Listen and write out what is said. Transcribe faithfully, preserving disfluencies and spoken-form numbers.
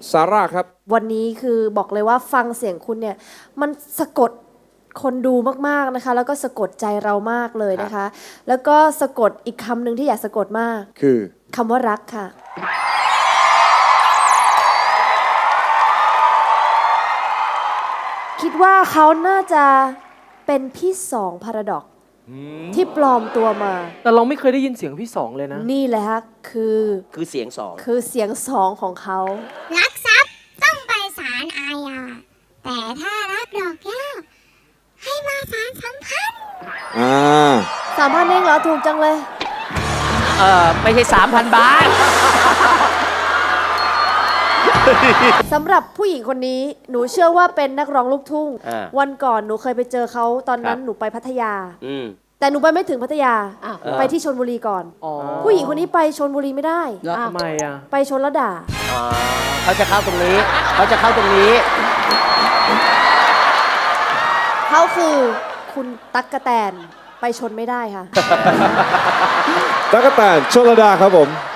ซาร่าครับวันนี้คือบอกเลยว่าฟังเสียงคุณเนี่ยมันสะกดคนดูมากๆนะคะแล้วก็สะกดใจเรามากเลยนะคะ แล้วก็สะกดอีกคำหนึ่งที่อยากสะกดมากคือคำว่ารักค่ะคิดว่าเขาน่าจะเป็นพี่สองพาราดอกที่ปลอมตัวมาแต่เราไม่เคยได้ยินเสียงพี่สองเลยนะนี่แหละฮะคือคือเสียงสองคือเสียงสองของเขารักทรัพย์ต้องไปศาลอาญาแต่ถ้ารักดอกแก้วให้มาศาลสัมพันธ์อ่าสามพันเองเหรอถูกจังเลยเออไม่ใช่สามพันบาทสำหรับผู้หญิงคนนี้หนูเชื่อว่าเป็นนักร้องลูกทุ่งวันก่อนหนูเคยไปเจอเขาตอนนั้นหนูไปพัทยาแต่หนูไปไม่ถึงพัทยาไปที่ชลบุรีก่อนผู้หญิงคนนี้ไปชลบุรีไม่ได้ทำไมอ่ะไปชลระดาเขาจะเข้าตรงนี้เขาจะเข้าตรงนี้เขาคือคุณตั๊กกะแตนไปชนไม่ได้ค่ะตั๊กกะแตนชลดาครับผม